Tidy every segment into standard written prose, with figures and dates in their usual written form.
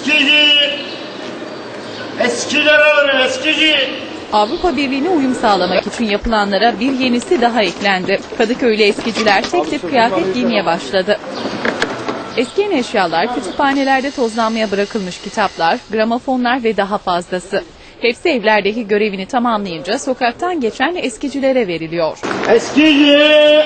Eskici. Eskiler alır eskici. Avrupa Birliği'ne uyum sağlamak için yapılanlara bir yenisi daha eklendi. Kadıköy'lü eskiciler tek tip kıyafet giymeye başladı. Eskiyen eşyalar, kütüphanelerde tozlanmaya bırakılmış kitaplar, gramofonlar ve daha fazlası. Hepsi evlerdeki görevini tamamlayınca sokaktan geçen eskicilere veriliyor. Eskici.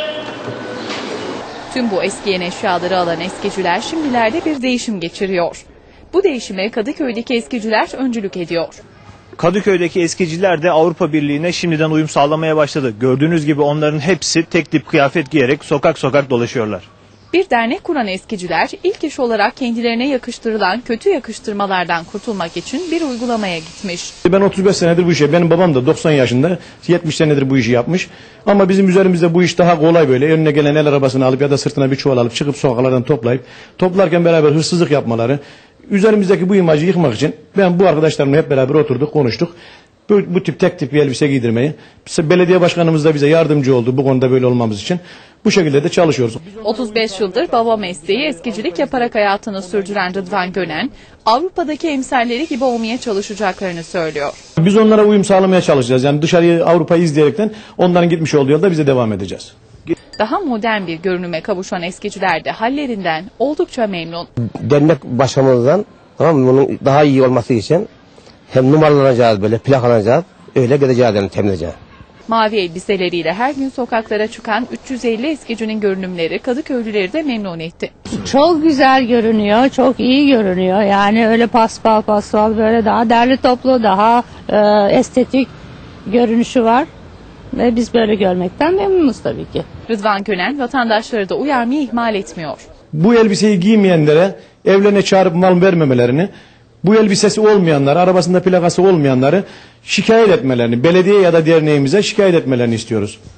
Tüm bu eskiyen eşyaları alan eskiciler şimdilerde bir değişim geçiriyor. Bu değişime Kadıköy'deki eskiciler öncülük ediyor. Kadıköy'deki eskiciler de Avrupa Birliği'ne şimdiden uyum sağlamaya başladı. Gördüğünüz gibi onların hepsi tek tip kıyafet giyerek sokak sokak dolaşıyorlar. Bir dernek kuran eskiciler ilk iş olarak kendilerine yakıştırılan kötü yakıştırmalardan kurtulmak için bir uygulamaya gitmiş. Ben 35 senedir bu işe, benim babam da 90 yaşında 70 senedir bu işi yapmış. Ama bizim üzerimizde bu iş daha kolay böyle. Önüne gelen el arabasını alıp ya da sırtına bir çuval alıp çıkıp sokaklardan toplarken beraber hırsızlık yapmaları. Üzerimizdeki bu imajı yıkmak için ben bu arkadaşlarımla hep beraber oturduk, konuştuk. Bu tip tek tip bir elbise giydirmeyi. Belediye başkanımız da bize yardımcı oldu bu konuda böyle olmamız için. Bu şekilde de çalışıyoruz. 35 yıldır baba mesleği eskicilik yaparak hayatını sürdüren Rıdvan Gönen, Avrupa'daki emsalleri gibi olmaya çalışacaklarını söylüyor. Biz onlara uyum sağlamaya çalışacağız. Yani dışarıyı Avrupa'yı izleyerekten onların gitmiş olduğu yolda bize devam edeceğiz. Daha modern bir görünüme kavuşan eskiciler de hallerinden oldukça memnun. Dernek başkanımızdan, tamam mı, bunun daha iyi olması için hem numaralanacağız, böyle plakalanacağız, öyle gideceğiz yani temizleyeceğiz. Mavi elbiseleriyle her gün sokaklara çıkan 350 eskicinin görünümleri Kadıköylüleri de memnun etti. Çok güzel görünüyor, çok iyi görünüyor. Yani öyle paspas böyle daha derli toplu, daha estetik görünüşü var. Ve biz böyle görmekten memnunuz tabii ki. Rıdvan Gönen vatandaşları da uyarmayı ihmal etmiyor. Bu elbiseyi giymeyenlere evlerine çağırıp mal vermemelerini, bu elbisesi olmayanları, arabasında plakası olmayanları şikayet etmelerini, belediye ya da derneğimize şikayet etmelerini istiyoruz.